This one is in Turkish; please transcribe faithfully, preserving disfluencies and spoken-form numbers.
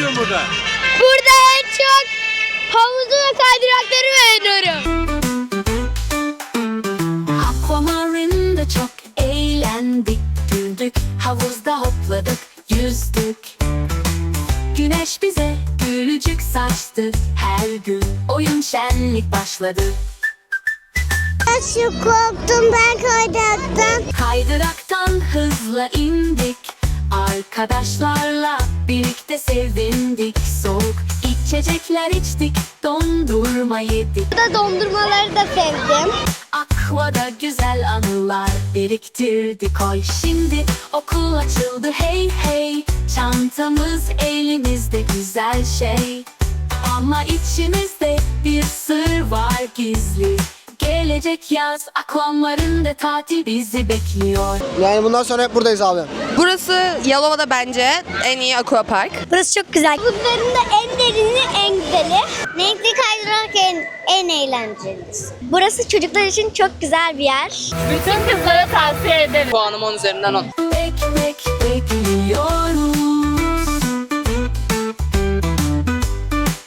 seviyorsun burada? Burada en çok havuzu ve kaydırakları beğeniyorum. Aquamarine'de çok eğlendik, güldük, havuzda hopladık, yüzdük. Güneş bize gülücük saçtı, her gün oyun şenlik başladı. Çok korktum ben kaydıraktan. Kaydıraktan hızla indik, arkadaşlarla birlikte sevindik. Soğuk içecekler içtik, dondurma yedik. Burada dondurmaları da sevdim. Aqua'da güzel anılar biriktirdik oy. Şimdi okul açıldı hey hey, çantamız elimizde güzel şey. Ama içimizde bir sır var gizli. Gelecek yaz Aquamarine tatil bizi bekliyor. Yani bundan sonra hep buradayız abi. Burası Yalova'da bence en iyi aquapark. Burası çok güzel. Bunların da en derini en güzeli. Renkli kaydırak en, en eğlencelisi. Burası çocuklar için çok güzel bir yer. Puanım on üzerinden on. Ekmek